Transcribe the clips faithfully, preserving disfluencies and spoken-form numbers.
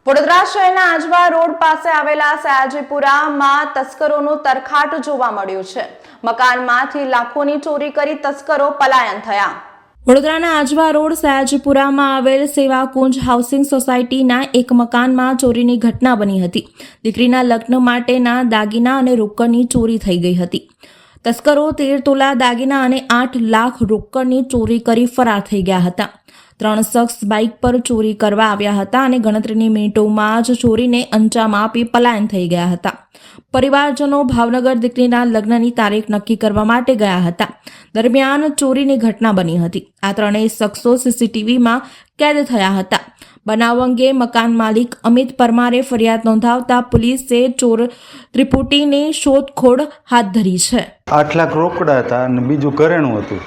વડોદરા શહેરના આજવા રોડ પાસે આવેલા સયાજીપુરામાં તસ્કરોનું તરખાટ જોવા મળ્યું છે। મકાનમાંથી લાખોની ચોરી કરી તસ્કરો પલાયન થયા। વડોદરાના આજવા રોડ સયાજીપુરામાં આવેલ સેવાકુંજ હાઉસિંગ સોસાયટીના એક મકાનમાં ચોરીની ઘટના બની હતી। દીકરીના લગ્ન માટેના દાગીના અને રોકડની ચોરી થઈ ગઈ હતી। તસ્કરો તેર તોલા દાગીના અને આઠ લાખ રોકડની ચોરી કરી ફરાર થઈ ગયા હતા। ત્રણ શખ્સ બાઇક પર ચોરી કરવા આવ્યા હતા અને ગણતરીની મિનિટોમાં જ ચોરીને અંજામ આપી પલાયન થઈ ગયા હતા। પરિવારજનો ભાવનગર દીકરીના લગ્નની તારીખ નક્કી કરવા માટે ગયા હતા। દરમિયાન ચોરીની ઘટના બની હતી। આ ત્રણેય શખ્સો સીસીટીવીમાં કેદ થયા હતા। બનાવ અંગે મકાન માલિક અમિત પરમારે ફરિયાદ નોંધાવતા પોલીસે ચોર ત્રિપુટીની શોધખોળ હાથ ધરી છે। આઠ લાખ રોકડા હતા અને બીજું ઘરેણું હતું।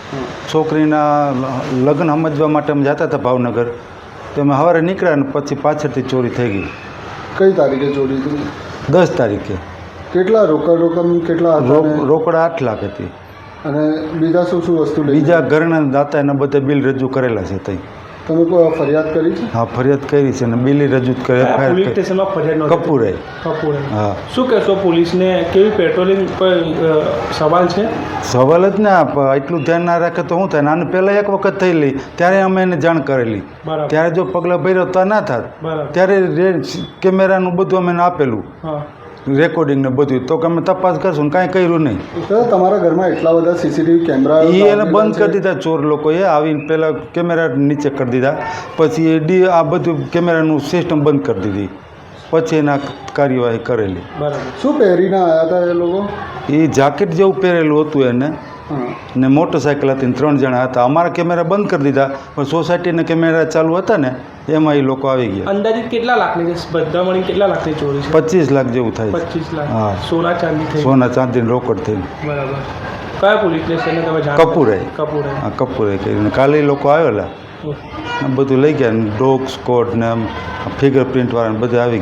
છોકરીના લગ્ન સમજવા માટે અમે જતા હતા ભાવનગર, તો અમે સવારે નીકળ્યા ને પછી પાછળથી ચોરી થઈ ગઈ। કઈ તારીખે ચોરી થઈ? દસ તારીખે। કેટલા રોકડ રકમ કેટલા હતા? રોકડા આઠ લાખ હતી અને બીજા શું શું વસ્તુ? બીજા ઘરેણા દાતા એના બધા બિલ રજૂ કરેલા છે। તઈ તમે કોઈ ફરિયાદ કરી છે? હા, ફરિયાદ કરી છે ને બિલ રજૂ કરે પોલીસ સ્ટેશનમાં ફરિયાદ કપૂરે કપૂરે હા। શું કહેશો પોલીસને? કેવી પેટ્રોલિંગ પર સવાલ છે? સવાલ જ ના, એટલું ધ્યાન ના રાખે તો શું થાય? આને પહેલાં એક વખત થયેલી ત્યારે અમે એને જાણ કરેલી, ત્યારે જો પગલાં ભર્યો તો ના થાત। ત્યારે કેમેરાનું બધું અમે એને આપેલું, રેકોર્ડિંગ ને બધું, તો અમે તપાસ કરશું, કાંઈ કર્યું નહીં। તમારા ઘરમાં એટલા બધા સીસીટીવી કેમેરા એ એને બંધ કરી દીધા ચોર લોકોએ, આવીને પહેલાં કેમેરા નીચે કરી દીધા, પછી એ ડી આ બધું કેમેરાનું સિસ્ટમ બંધ કરી દીધી, પછી એના કાર્યવાહી કરેલી। શું પહેરીને આવ્યા હતા એ લોકો? એ જાકેટ જેવું પહેરેલું હતું એને, ને મોટરસાઇકલ હતી, ત્રણ જણા હતા। અમારા કેમેરા બંધ કરી દીધા, પણ સોસાયટીના કેમેરા ચાલુ હતા ને એમાં એ લોકો આવી ગયા। અંદાજિત કેટલા લાખની છે? બધા મળી કેટલા લાખની ચોરી છે? પચીસ લાખ જેવું થાય। પચીસ લાખ? હા। સોના ચાંદી થઈ? સોના ચાંદીને રોકડ થઈ। બરાબર। કયા પોલીસ સ્ટેશને તમે જાણ? કપૂરે કપૂરે હા, કપૂરે કરીને કાલે એ લોકો આવેલા, બધું લઈ ગયા, ડોગ સ્કોડ ને ફિંગર પ્રિન્ટ વાળા બધા આવી ગયા।